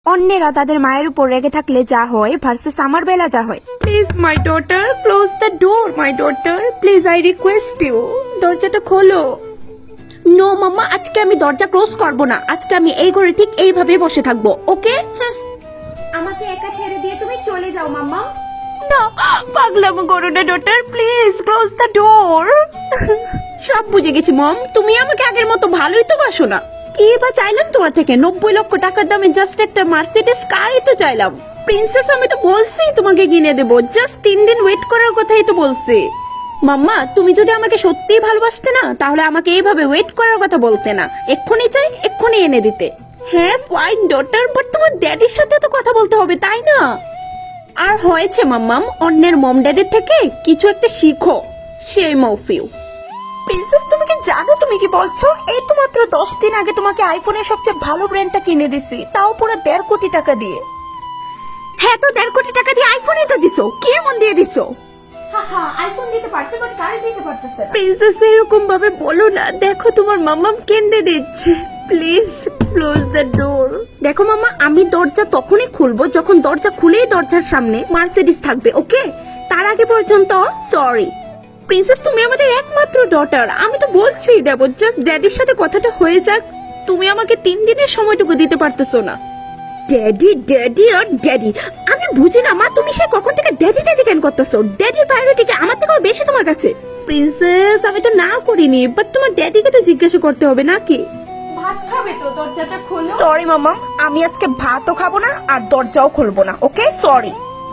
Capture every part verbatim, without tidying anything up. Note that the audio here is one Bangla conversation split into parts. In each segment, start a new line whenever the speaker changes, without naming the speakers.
অন্যেরা তাদের মায়ের উপর রেগে থাকলে যা হয় ভার্সেস আমার বেলা যা হয়। Please my daughter close the door, my daughter please I request you, দরজাটা খোলো। নো মাম্মা, আজকে আমি দরজা ক্লোজ করব না, আজকে আমি এই ঘরে ঠিক এইভাবে বসে থাকবো, ওকে? আমাকে একা ছেড়ে দিয়ে তুমি চলে যাও মাম্মা। না, পাগলামো করো না daughter, please close the door. সব বুঝে গেছি মম, তুমি আমাকে আগের মতো ভালোই তো বাসো না। কি বা চাইলাম তোমার থেকে? নব্বই লক্ষ টাকার দামে জাস্ট একটা মার্সিডিজ কারই তো চাইলাম। প্রিন্সেস, আমি তো বলছি তোমাকে কিনে দেবো, জাস্ট তিন দিন ওয়েট করার কথাই তো বলছি। মাম্মা, তুমি যদি আমাকে সত্যিই ভালোবাসতে না তাহলে আমাকে এইভাবে ওয়েট করার কথা বলতে না, এক্ষুনি চাই এক্ষুনি এনে দিতে। হ্যাঁ ফাইন ডটার, বাট তোমার ড্যাডির সাথে তো কথা বলতে হবে তাই না? আর হয়েছে মাম্মাম, অন্যের মম ড্যাডির থেকে কিছু একটা শিখো, সেই মফিউ। প্রিন্সেস, তুমি কি জানো তুমি কি বলছো? এই তো মাত্র দশ দিন আগে তোমাকে আইফোনের সবচেয়ে ভালো ব্র্যান্ডটা কিনে দিছি, তাও পুরো দেড় কোটি টাকা দিয়ে। হ্যাঁ তো দেড় কোটি টাকা দিয়ে আইফোনই তো দিছো, কি এমন দিয়ে দিছো? আইফোন দিতে পারছে বাট গাড়ি দিতে পারতেছে না। প্রিন্সেস, এরকম ভাবে বলো না, দেখো তোমার মাম্মাম কেঁদে দিচ্ছে, প্লিজ ক্লোজ দ্য ডোর। দেখো মাম্মা, আমি দরজা তখনই খুলবো যখন দরজা খুলেই দরজার সামনে মার্সিডিজ থাকবে, ওকে? তার আগে পর্যন্ত সরি। প্রিন্সেস, তুমি আমাদের একমাত্র ডটার, আমি তো বলছি দেবো, জাস্ট ড্যাডির সাথে কথাটা হয়ে যাক। তুমি আমাকে তিন দিনের সময়টুকু দিতে পারতেছো না। ড্যাডি ড্যাডি আর ড্যাডি, আমি বুঝি না মা, তুমি সে কখন থেকে ড্যাডি ড্যাডি কেন করতেছো? ড্যাডির প্রায়োরিটি কি আমার থেকেও বেশি তোমার কাছে? প্রিন্সেস, আমি তো না করিনি, বাট তোমার ড্যাডিকে তো জিজ্ঞাসা করতে হবে নাকি? ভাত খাবে তো, দরজাটা খোলো। সরি মামা, আমি আজকে ভাতও খাবো না আর দরজাও খুলবো না, ওকে? সরি।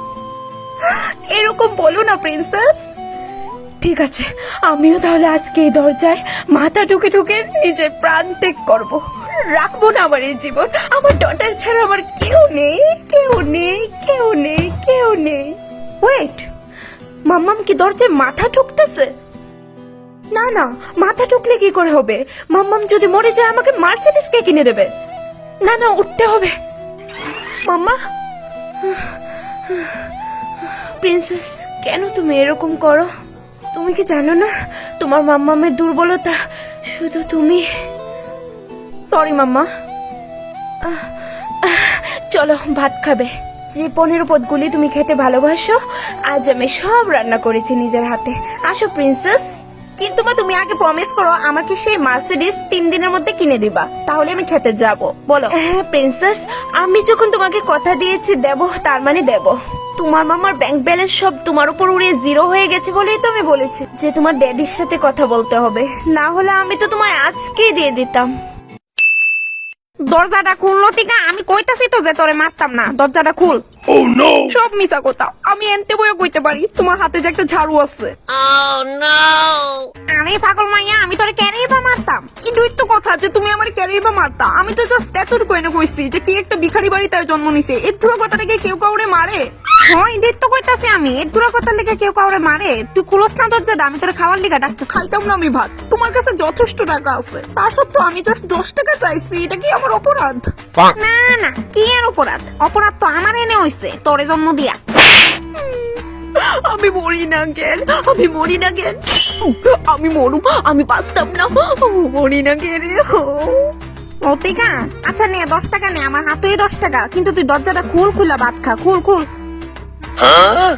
এরকম বলো না প্রিন্সেস। ঠিক আছে, আমিও তাহলে আজকে এই দরজায় মাথা ঢুকে ঢুকে নিজের প্রাণ ত্যাগ করবো, রাখবো না আমার এই জীবন। আমার ডটার ছাড়া আমার কেউ নেই, কেউ নেই, কেউ নেই, কেউ নেই। ওয়েট, মাম্মাম কি দরজায় মাথা ঢুকতেছে? না না, মাথা ঢুকলে কি করে হবে? মাম্মাম যদি মরে যায় আমাকে মার্সিডিজ কে কিনে দেবে? না না, উঠতে হবে। মাম্মা, প্রিন্সেস কেন তুমি এরকম করো? তুমি কি জানো না তোমার মাম্মামের দুর্বলতা শুধু তুমি? Sorry mamma. চলো ভাত খাবে। যে পনেরো পদগুলি তুমি খেতে ভালোবাসো আজ আমি সব রান্না করেছি নিজের হাতে। আসো প্রিন্সেস। কিন্তু মা, তুমি আগে প্রমিস করো আমাকে সেই মার্সিডিজ তিন দিনের মধ্যে কিনে দিবা, তাহলে আমি খেতে যাব। বলো। হ্যাঁ প্রিন্সেস, আমি যখন তোমাকে কথা দিয়েছি দেব, তার মানে দেব। তোমার মামার ব্যাংক ব্যালেন্স সব তোমার উপর উড়িয়ে জিরো হয়ে গেছে বলেই তো আমি বলেছি যে তোমার ড্যাডির সাথে কথা বলতে হবে, না হলে আমি তো তোমার আজকেই দিয়ে দিতাম। দরজাটা খুললো টিকা, আমি কইতাছি তো যে তোরে মারতাম না, দরজাটা খুল।
Oh no!
সব মিছা কথা, আমি এনতে বইও কইতে পারি তোমার হাতে যে একটা ঝাড়ু আছে।
Oh no!
আরে পাগল মাইয়া, আমি তোরে ক্যারেই বা মারতাম? এটাই তো কথা যে তুমি আমার ক্যারেই বা মারতা। আমি তো জাস্ট এতটুকু কইনে কইছি যে কি একটা ভিখারি বাড়িতে জন্ম নিছে, এর ধুরা কথা থেকে কেউ কাউরে মারে? হ্যাঁ এটাই তো কইতাছি আমি, এর ধুরা কথা লেগে কেউ কাউরে মারে? তুই খুলস না দরজাটা, আমি তোরে খাওয়ার লিগা ডাকতে। খাইতাম না আমি ভাত, তোমার কাছে যথেষ্ট টাকা আছে, তা সত্ত্বেও আমি জাস্ট দশ টাকা চাইছি, এটা কি আমার অপরাধ? না না, কি আর অপরাধ? অপরাধ তো আমার এনে হইছে তোরে জন্ম দিয়া। আমি মরি না কেন? আমি মরি না কেন? আমি মরুম, আমি বাঁচতাম না, মরি না কেন? অতিকা, আচ্ছা নে দশ টাকা নে, আমার হাতেই দশ টাকা, কিন্তু তুই দরজাটা খুল, খুলা ভাত খা, খুল খুল।
Huh?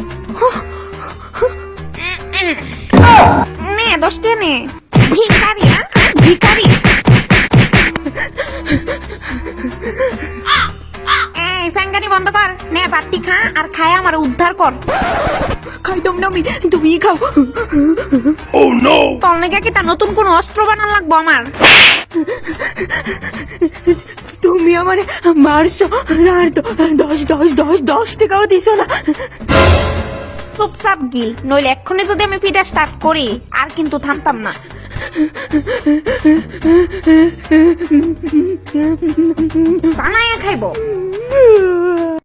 নে দশ টাকা নে। ভিখারি, হ্যাঁ ভিখারি। এই ফ্যাঙ্গানি বন্ধ কর, নে বাতি খা আর খায় আমার উদ্ধার কর। খাইতাম না আমি, তুমি খাও।
Oh no!
তোর নাকি কি তা নতুন কোন অস্ত্র বানান লাগবো আমার? তুমি আমার মারছো আর দশ দশ দশ দশ টাকাও দিছো না। চুপচাপ গিল, নইলে এক্ষুনি যদি আমি ফিডা স্টার্ট করি আর কিন্তু থামতাম না। জানাইয়া খাইবো।